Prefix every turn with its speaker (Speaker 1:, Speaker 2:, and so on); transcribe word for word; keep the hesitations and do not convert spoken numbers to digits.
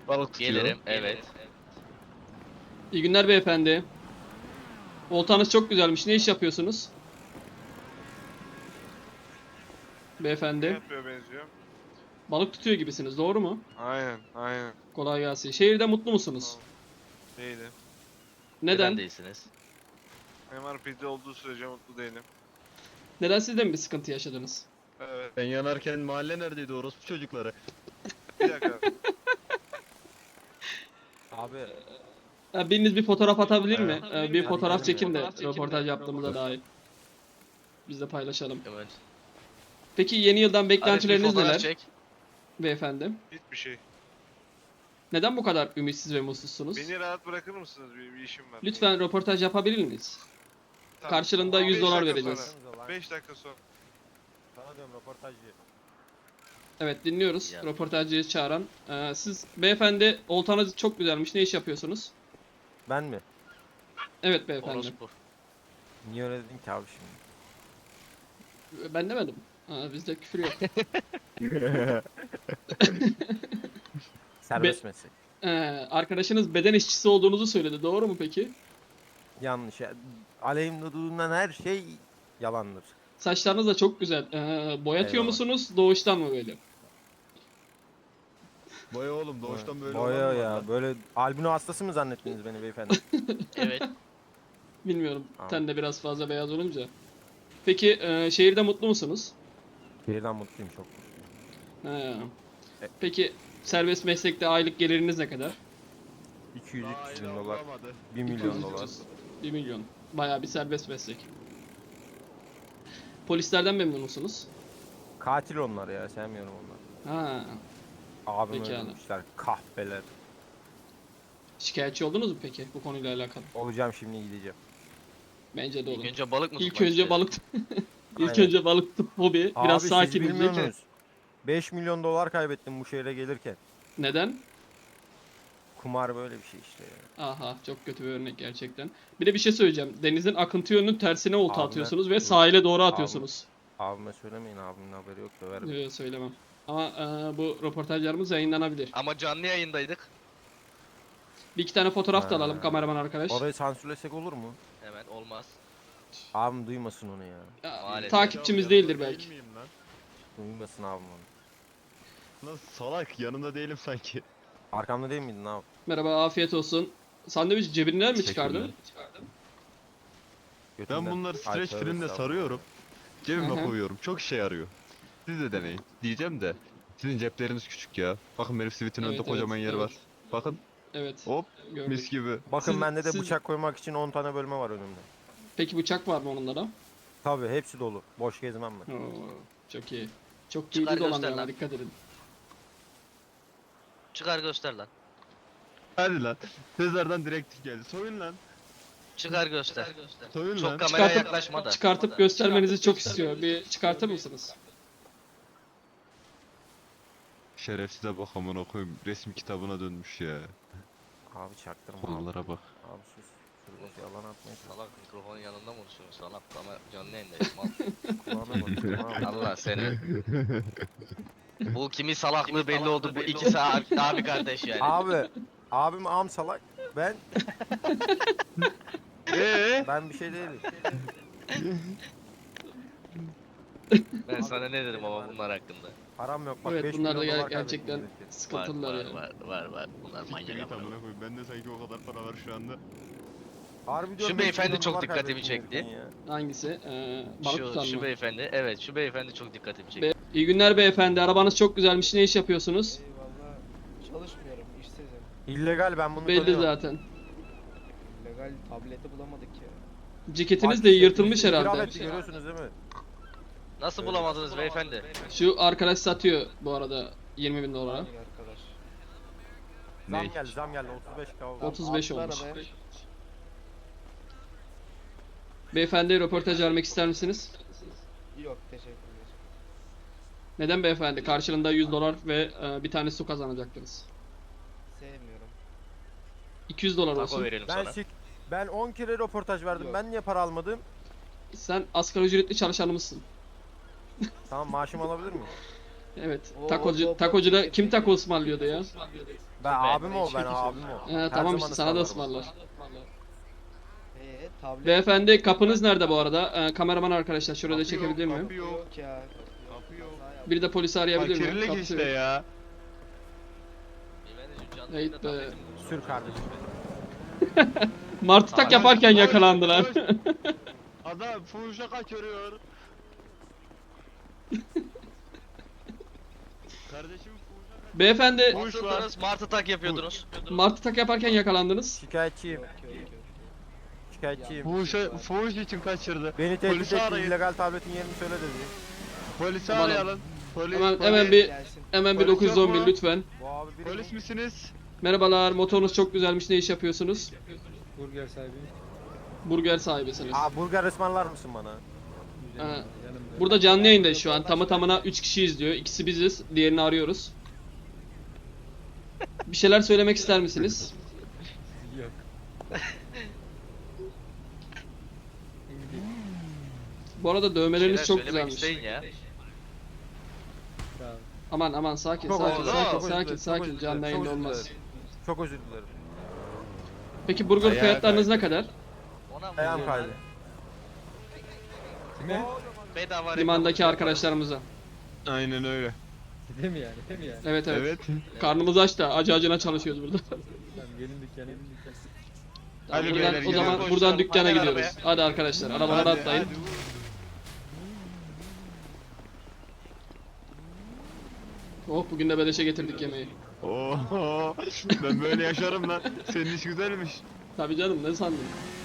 Speaker 1: Balık tutuyor.
Speaker 2: Gelirim, evet.
Speaker 3: İyi günler beyefendi. Oltanız çok güzelmiş. Ne iş yapıyorsunuz?
Speaker 4: Ne
Speaker 3: Beyefendi.
Speaker 4: yapıyor benziyor?
Speaker 3: Balık tutuyor gibisiniz. Doğru mu?
Speaker 4: Aynen, aynen.
Speaker 3: Kolay gelsin. Şehirde mutlu musunuz?
Speaker 4: Tamam. Değilim.
Speaker 3: Neden?
Speaker 2: Neden değilsiniz?
Speaker 4: M R P'de olduğu sürece mutlu değilim.
Speaker 3: Neden siz de mi bir sıkıntı yaşadınız?
Speaker 4: Evet.
Speaker 1: Ben yanarken mahalle neredeydi orospu çocukları?
Speaker 4: Bir dakika.
Speaker 5: Abi
Speaker 3: Ya biriniz bir fotoğraf atabilir mi?
Speaker 1: Evet.
Speaker 3: Ee, bir
Speaker 5: Hadi
Speaker 3: fotoğraf
Speaker 5: gidelim
Speaker 3: çekin de
Speaker 2: ya.
Speaker 3: röportaj yaptığımıza dair. Biz de paylaşalım.
Speaker 2: Evet.
Speaker 3: Peki yeni yıldan
Speaker 2: Hadi bir
Speaker 3: beklentileriniz
Speaker 2: fotoğraf
Speaker 3: neler
Speaker 2: çek.
Speaker 3: beyefendi?
Speaker 4: Hiçbir şey.
Speaker 3: Neden bu kadar ümitsiz ve mutsuzsunuz?
Speaker 4: Beni rahat bırakır mısınız? Bir, bir işim var.
Speaker 3: Lütfen röportaj yapabilir miyiz?
Speaker 4: Tamam.
Speaker 3: Karşılığında yüz
Speaker 4: Beş
Speaker 3: dolar
Speaker 4: dakika
Speaker 3: vereceğiz.
Speaker 4: sonra. beş dakika sonra.
Speaker 5: sana diyorum röportajcı.
Speaker 3: Evet dinliyoruz.
Speaker 2: Ya.
Speaker 3: Röportajcıyı çağıran. Ee, siz beyefendi oltanız çok güzelmiş. Ne iş yapıyorsunuz?
Speaker 5: Ben mi?
Speaker 3: Evet beyefendi.
Speaker 2: Orospu.
Speaker 5: Niye öyle dedin ki abi şimdi?
Speaker 3: Ben demedim. Aa, bizde küfür yok.
Speaker 5: Serbest meslek.
Speaker 3: Ee, arkadaşınız beden işçisi olduğunuzu söyledi. Doğru mu peki?
Speaker 5: Yanlış. ya. Aleyhimde duyulan her şey yalandır.
Speaker 3: Saçlarınız da çok güzel. Ee, boyatıyor
Speaker 5: Eyvallah.
Speaker 3: musunuz? Doğuştan mı böyle?
Speaker 1: Boya oğlum doğuştan böyle
Speaker 5: Boya
Speaker 1: olan mı
Speaker 5: ya.
Speaker 1: var lan?
Speaker 5: Böyle albino hastası mı zannettiniz beni beyefendi?
Speaker 2: Evet.
Speaker 3: Bilmiyorum.
Speaker 5: Tamam.
Speaker 3: Ten de biraz fazla beyaz olunca. Peki e, şehirde mutlu musunuz?
Speaker 5: Şehirden mutluyum çok.
Speaker 3: He.
Speaker 5: E-
Speaker 3: Peki serbest meslekte aylık geliriniz ne kadar?
Speaker 5: iki yüz
Speaker 1: Daha
Speaker 5: üç yüz
Speaker 1: yine
Speaker 5: bin dolar.
Speaker 1: bulamadı.
Speaker 5: bir
Speaker 3: iki
Speaker 5: milyon
Speaker 3: yüz
Speaker 5: dolar.
Speaker 3: üç yüz. bir milyon. Bayağı bir serbest meslek. Polislerden memnun musunuz?
Speaker 5: Katil onlar ya. Sevmiyorum onları.
Speaker 3: Ha.
Speaker 5: Abim
Speaker 3: Pekala.
Speaker 5: öldürmüşler. Kahpeler.
Speaker 3: Şikayetçi oldunuz mu peki bu konuyla alakalı?
Speaker 5: Olacağım şimdi gideceğim.
Speaker 3: Bence de
Speaker 2: İlk
Speaker 3: olun.
Speaker 2: önce balık mı
Speaker 3: İlk
Speaker 2: tutmak
Speaker 3: önce
Speaker 2: istedin?
Speaker 3: balık İlk
Speaker 5: Aynen.
Speaker 3: önce balık tut hobi.
Speaker 5: Abi
Speaker 3: Biraz
Speaker 5: siz
Speaker 3: sakin
Speaker 5: bilmiyor
Speaker 3: zeki.
Speaker 5: musunuz? beş milyon dolar kaybettim bu şehre gelirken.
Speaker 3: Neden?
Speaker 5: Kumar böyle bir şey işte ya.
Speaker 3: Aha çok kötü bir örnek gerçekten. Bir de bir şey söyleyeceğim. Denizin akıntı yönünün tersine olta
Speaker 5: Abime-
Speaker 3: atıyorsunuz ve sahile doğru atıyorsunuz.
Speaker 5: Abime söylemeyin, abimin haberi yok döverim.
Speaker 3: Yok söylemem. Ama e, bu röportajlarımız yayınlanabilir.
Speaker 2: Ama canlı yayındaydık.
Speaker 3: Bir iki tane fotoğraf da alalım
Speaker 5: Ha.
Speaker 3: kameraman arkadaş.
Speaker 5: Orayı sansürlesek olur mu?
Speaker 2: Hemen olmaz.
Speaker 5: Abim duymasın onu ya.
Speaker 3: Ya,
Speaker 2: Maalesef.
Speaker 3: takipçimiz
Speaker 1: Ya,
Speaker 3: değildir
Speaker 1: yanında
Speaker 3: belki.
Speaker 1: değil miyim lan?
Speaker 5: Duymasın abim onu.
Speaker 1: Lan salak yanında değilim sanki.
Speaker 5: Arkamda değil miydin abi?
Speaker 3: Merhaba afiyet olsun. Sandviç cebinden mi
Speaker 1: Teşekkürler.
Speaker 3: çıkardın?
Speaker 1: Ben
Speaker 5: Götümden.
Speaker 1: bunları
Speaker 5: Ay,
Speaker 1: streç
Speaker 5: tövbe
Speaker 1: filmle
Speaker 5: estağfurullah.
Speaker 1: sarıyorum. Cebime
Speaker 3: Hı hı.
Speaker 1: koyuyorum. Çok işe yarıyor. Siz de deneyin. Diyeceğim de. Sizin cepleriniz küçük ya. Bakın Merif Sweet'in
Speaker 3: Evet,
Speaker 1: önünde
Speaker 3: evet,
Speaker 1: kocaman yeri
Speaker 3: evet.
Speaker 1: var. Bakın
Speaker 3: Evet.
Speaker 1: hop
Speaker 3: Gördük.
Speaker 1: mis gibi.
Speaker 5: Bakın
Speaker 3: Siz-
Speaker 5: bende de
Speaker 3: siz-
Speaker 5: bıçak koymak için on tane bölme var önümde.
Speaker 3: Peki bıçak var mı onunla da?
Speaker 5: Tabi hepsi dolu. Boş gezmem ben.
Speaker 3: Oo, çok iyi. Çok
Speaker 2: Çıkar
Speaker 3: kilitli
Speaker 2: göster
Speaker 3: dolanıyor ama
Speaker 2: lan.
Speaker 3: dikkat edin.
Speaker 2: Çıkar göster lan.
Speaker 1: Hadi lan. Sezar'dan direktif geldi. Soyun lan.
Speaker 2: Çıkar göster.
Speaker 1: Soyun
Speaker 2: Çok
Speaker 1: lan.
Speaker 2: kameraya
Speaker 3: Çıkartıp-
Speaker 2: yaklaşma da.
Speaker 3: Çıkartıp göstermenizi çok istiyor. Bir çıkartır mısınız?
Speaker 1: Şerefsize bak amına koyayım. Resim kitabına dönmüş ya.
Speaker 5: Abi çaktırma abi.
Speaker 1: Kollara bak.
Speaker 5: Abi sus. Sus boş yalan atmayın.
Speaker 2: Salak mikrofonun yanında mı konuşuyorsun? Salak ama canlı yayındayız mal.
Speaker 5: Kulağına bak. Kulağına bak.
Speaker 2: Allah seni. Bu kimin salaklığı belli oldu. Bu ikisi abi, abi kardeş yani.
Speaker 5: Abi. Abim am salak. Ben
Speaker 1: Eee?
Speaker 5: ben bir şey değilim.
Speaker 2: Ben sana ne dedim ama bunlar hakkında.
Speaker 5: Param yok bak.
Speaker 3: Evet
Speaker 5: beş
Speaker 3: bunlar da
Speaker 5: milyon
Speaker 3: ger-
Speaker 5: dolar
Speaker 3: gerçekten
Speaker 5: kaybettim gelirken.
Speaker 2: Var
Speaker 3: sıkıntılar
Speaker 2: var
Speaker 3: ya.
Speaker 2: var var var. Bunlar manyak
Speaker 1: Siktir
Speaker 2: ama.
Speaker 1: amına koyayım. Bende sanki o kadar para var şu anda.
Speaker 5: Harbi
Speaker 2: Şu
Speaker 5: diyorum, beş
Speaker 2: beyefendi
Speaker 5: milyon
Speaker 2: çok
Speaker 5: dolar
Speaker 2: dikkatimi
Speaker 5: kaybettim
Speaker 2: çekti.
Speaker 5: gelirken ya.
Speaker 3: Hangisi? Ee, balık tutan
Speaker 2: Şu, şu
Speaker 3: mı?
Speaker 2: beyefendi, evet şu beyefendi çok dikkatimi çekti.
Speaker 3: Be- İyi günler beyefendi. Arabanız çok güzelmiş. Ne iş yapıyorsunuz?
Speaker 6: Eyvallah. Çalışmıyorum, işsizim.
Speaker 5: İllegal ben bunu
Speaker 3: Belli
Speaker 5: tanıyorum.
Speaker 3: zaten.
Speaker 6: Legal tableti bulamadık ya.
Speaker 3: Ceketiniz de yırtılmış
Speaker 5: Bizi itiraf
Speaker 3: herhalde.
Speaker 5: etti, görüyorsunuz değil mi?
Speaker 2: Nasıl bulamadınız beyefendi?
Speaker 3: Şu arkadaş satıyor bu arada yirmi bin dolara.
Speaker 6: Hangi arkadaş?
Speaker 5: Zam
Speaker 1: Ne?
Speaker 5: geldi zam geldi otuz beş k oldu.
Speaker 3: otuz beş
Speaker 6: Atlar
Speaker 3: olmuş.
Speaker 6: be.
Speaker 3: Beyefendi röportaj vermek ister misiniz?
Speaker 6: Yok, teşekkürler.
Speaker 3: Neden beyefendi? Karşılığında yüz dolar ve e, bir tane su kazanacaktınız.
Speaker 6: Sevmiyorum.
Speaker 3: iki yüz dolar
Speaker 2: Taco
Speaker 3: olsun.
Speaker 2: verelim
Speaker 5: Ben
Speaker 2: sana.
Speaker 5: sik ben on kere röportaj verdim.
Speaker 6: Yok.
Speaker 5: Ben niye para almadım?
Speaker 3: Sen asgari ücretli çalışanımızsın.
Speaker 5: Tamam maaşımı alabilir miyim?
Speaker 3: Evet.
Speaker 6: Oo,
Speaker 3: Takocu,
Speaker 6: hop, hop,
Speaker 3: takocuda
Speaker 6: hop.
Speaker 3: kim taco ısmarlıyordu ya?
Speaker 5: Ben abim o ben abim o.
Speaker 3: He,
Speaker 5: Her
Speaker 3: tamam
Speaker 5: zaman
Speaker 3: işte sana da
Speaker 5: ısmarlarım.
Speaker 3: ısmarlar.
Speaker 6: Ee, tablet
Speaker 3: Beyefendi kapınız nerede bu arada? Ee, kameraman arkadaşlar şurada
Speaker 1: Kapı yok,
Speaker 3: çekebilir miyim?
Speaker 1: kapı yok.
Speaker 6: yok ya.
Speaker 1: Kapı yok.
Speaker 6: Kaza yaptım.
Speaker 3: Biri de polisi arayabilir miyim?
Speaker 1: Fakirlik
Speaker 3: Kapısı
Speaker 1: işte
Speaker 3: yok.
Speaker 1: ya.
Speaker 3: Evet be.
Speaker 5: Sür kardeşim.
Speaker 3: Martı tak
Speaker 2: Koş,
Speaker 3: yaparken
Speaker 1: koş,
Speaker 3: yakalandılar.
Speaker 1: koş. Adam fuhuşa kaçırıyor. Kardeşim fuhuşa kaçırıyor.
Speaker 3: Beyefendi
Speaker 1: Fuhuş var.
Speaker 2: Nasıldınız? Martı tak yapıyordunuz.
Speaker 3: martı tak yaparken yakalandınız.
Speaker 5: Şikayetçiyim.
Speaker 6: Yok yok yok.
Speaker 5: Şikayetçiyim.
Speaker 1: Fuhuşa, fuhuş için kaçırdı.
Speaker 5: Beni tehdit
Speaker 1: Polisi
Speaker 5: etti.
Speaker 1: arayın.
Speaker 5: illegal tabletin yerini söyle dedi.
Speaker 1: Polisi
Speaker 3: Aman
Speaker 1: arayalım. Polis,
Speaker 3: Hemen-
Speaker 1: polis.
Speaker 3: hemen bir-
Speaker 6: Gelsin.
Speaker 3: Hemen bir
Speaker 1: Polis
Speaker 3: dokuz yüz
Speaker 1: yok
Speaker 3: on bir
Speaker 1: mu?
Speaker 3: lütfen.
Speaker 5: Bu abi biri
Speaker 1: Polis misiniz?
Speaker 3: Merhabalar, motorunuz çok güzelmiş. Ne iş yapıyorsunuz?
Speaker 7: Burger sahibi.
Speaker 3: Burger sahibisiniz.
Speaker 5: Aa burger ısmarlar mısın bana?
Speaker 3: Ha,
Speaker 7: Yanımda.
Speaker 3: burada canlı yayındayız şu an. Tamı tamına üç kişi izliyor. İkisi biziz. Diğerini arıyoruz. Bir şeyler söylemek ister misiniz?
Speaker 7: Yok.
Speaker 3: Bu arada
Speaker 2: Şeyler
Speaker 3: dövmeleriniz çok
Speaker 2: söylemek
Speaker 3: güzelmiş.
Speaker 2: isteyin ya.
Speaker 7: Sağ ol.
Speaker 3: Aman aman sakin
Speaker 5: Çok
Speaker 3: sakin
Speaker 5: özür
Speaker 2: dilerim,
Speaker 3: sakin
Speaker 5: çok özür
Speaker 3: sakin
Speaker 5: dilerim, çok
Speaker 3: sakin
Speaker 5: özür
Speaker 3: canlı
Speaker 5: dilerim,
Speaker 3: yayında
Speaker 5: çok özür
Speaker 3: olmaz.
Speaker 5: dilerim. Çok özür dilerim.
Speaker 3: Peki burger
Speaker 1: Ayağa
Speaker 3: fiyatlarınız ne
Speaker 1: kaydı.
Speaker 3: kadar?
Speaker 2: Ona mı
Speaker 5: Ayağım
Speaker 2: vuruyorlar?
Speaker 5: kaydı.
Speaker 7: Kime?
Speaker 2: Bedava
Speaker 3: Limandaki
Speaker 2: reklam.
Speaker 3: arkadaşlarımıza.
Speaker 1: Aynen öyle.
Speaker 7: Değil mi yani? Değil mi yani?
Speaker 3: Evet evet.
Speaker 1: Evet.
Speaker 3: Karnımız aç da acı acına çalışıyoruz burada.
Speaker 7: Tamam gelin dükkana gelin dükkana.
Speaker 1: Hadi
Speaker 3: buradan,
Speaker 1: beyler,
Speaker 3: o zaman
Speaker 2: gidelim.
Speaker 3: buradan dükkana
Speaker 2: Hadi
Speaker 3: gidiyoruz.
Speaker 2: arabaya.
Speaker 3: Hadi arkadaşlar arabalara
Speaker 1: Hadi,
Speaker 3: atlayın.
Speaker 1: hadi, vur.
Speaker 3: Oh bugün de beleşe getirdik yemeği.
Speaker 1: Oo, ben böyle yaşarım lan. Senin iş güzelmiş.
Speaker 3: Tabii canım ne sandın?